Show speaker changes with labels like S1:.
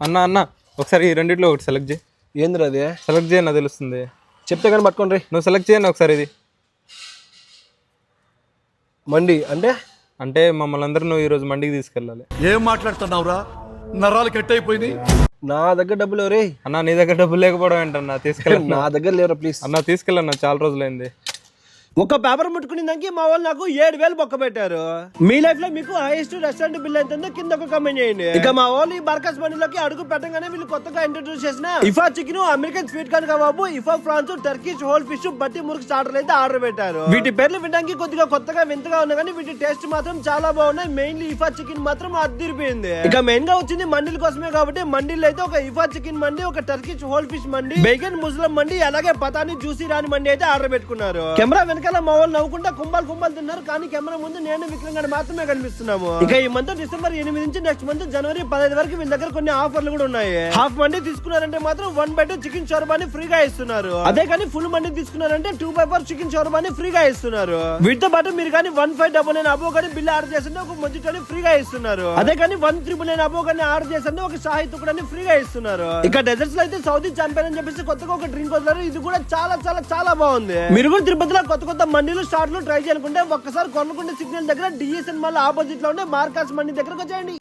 S1: అన్న అన్న ఒకసారి ఈ రెండిట్లో ఒకటి సెలెక్ట్ చేయి.
S2: ఏంద్రా అది?
S1: సెలెక్ట్ చేయన్న తెలుస్తుంది.
S2: చెప్తే కానీ పట్టుకోండి.
S1: నువ్వు సెలెక్ట్ చేయను ఒకసారి. ఇది
S2: మండి అంటే
S1: అంటే మమ్మల్ని అందరూ నువ్వు ఈరోజు మండికి తీసుకెళ్ళాలి.
S3: ఏం మాట్లాడుతున్నావురా? నరాలు కట్ అయిపోయింది.
S2: నా దగ్గర డబ్బులు ఎవరే?
S1: అన్న నీ దగ్గర డబ్బులు లేకపోవడం ఏంటన్నా? తీసుకెళ్ళి
S2: నా దగ్గర లేవరా ప్లీజ్
S1: అన్న, తీసుకెళ్ళన్నా, చాలా రోజులైంది.
S2: ఒక పేపర్ ముట్టుకునే దానికి మా వాళ్ళు నాకు 7,000 బొక్క పెట్టారు. మీ లైఫ్ లో మీకు హైయెస్ట్ రెస్టారెంట్ బిల్ ఎంత కింద ఒక కామెంట్ చేయండి. ఇక మా వాళ్ళు ఈ బర్కస్ బండిలోకి అడుగు పెట్టగానే వీళ్ళు కొత్తగా ఇంట్రొడ్యూస్ చేసిన ఇఫా chicken, American sweet corn kebab, ఇఫా ఫ్రాన్స్, టర్కిష్ హోల్ ఫిష్, బట్టి మురుకు స్టార్టర్ అయితే ఆర్డర్ పెట్టారు. వీటి పేర్లు వినడానికి కొద్దిగా కొత్తగా వింతగా ఉన్నా కానీ వీటి టేస్ట్ మాత్రం చాలా బాగున్నాయి. మెయిన్లీ ఇఫా చికెన్ మాత్రం అదిరిపోయింది. ఇక మెయిన్ గా వచ్చింది మండీల కోసమే కాబట్టి మండీలు అయితే ఒక ఇఫా చికెన్ మండి, ఒక టర్కిష్ హోల్ ఫిష్ మండి, బేగన్ ముస్లిం మండి, అలాగే పతాని జ్యూసీ రాని మండి అయితే ఆర్డర్ పెట్టుకున్నారు. కెమెరా వెనకాల మా వాళ్ళు నవ్వుకుంటా కుంభాలు తిన్నారు, కానీ కెమెరా ముందు నేను విక్రమ్ గారు మాత్రమే కనిపిస్తున్నాము. ఇక ఈ మంత్ డిసెంబర్ 8 నుంచి నెక్స్ట్ మంత్ జనవరి 15 వరకు వీళ్ళ దగ్గర కొన్ని ఆఫర్లు కూడా ఉన్నాయి. హాఫ్ మండి తీసుకున్నారంటే మాత్రం 1/2 చికెన్ షోర్బాని ఫ్రీగా ఇస్తున్నారు. అదే కానీ ఫుల్ మండి తీసుకున్నారంటే 2/4 చికెన్ షోర్బాని ఫ్రీగా ఇస్తున్నారు. వీటితో పాటు మీరు కానీ 1599 అబో కానీ బిల్ ఆర్డర్ చేస్తుంటే ఒక మొజిటోని ఫ్రీగా ఇస్తున్నారు. అదే కానీ 1399 అబో కానీ ఆర్డర్ చేస్తుంటే ఒక షాహీ తుకుడాని ఫ్రీగా ఇస్తున్నారు. ఇక డెజర్ట్స్ లో అయితే సౌదీ చాంపియన్ అని చెప్పేసి కొత్తగా ఒక డ్రింక్ వదిలారు. ఇది కూడా చాలా చాలా చాలా బాగుంది. మీరు కూడా తిరుపతిలో కొత్త మండీలు స్టార్ట్లు ట్రై చేయాలనుకుంటే ఒక్కసారి కొనకుండా సిగ్నల్ దగ్గర డిఎస్ఎన్ మళ్ళీ ఆపోజిట్ లో ఉండే మార్కాస్ మండి దగ్గరకు వచ్చేయండి.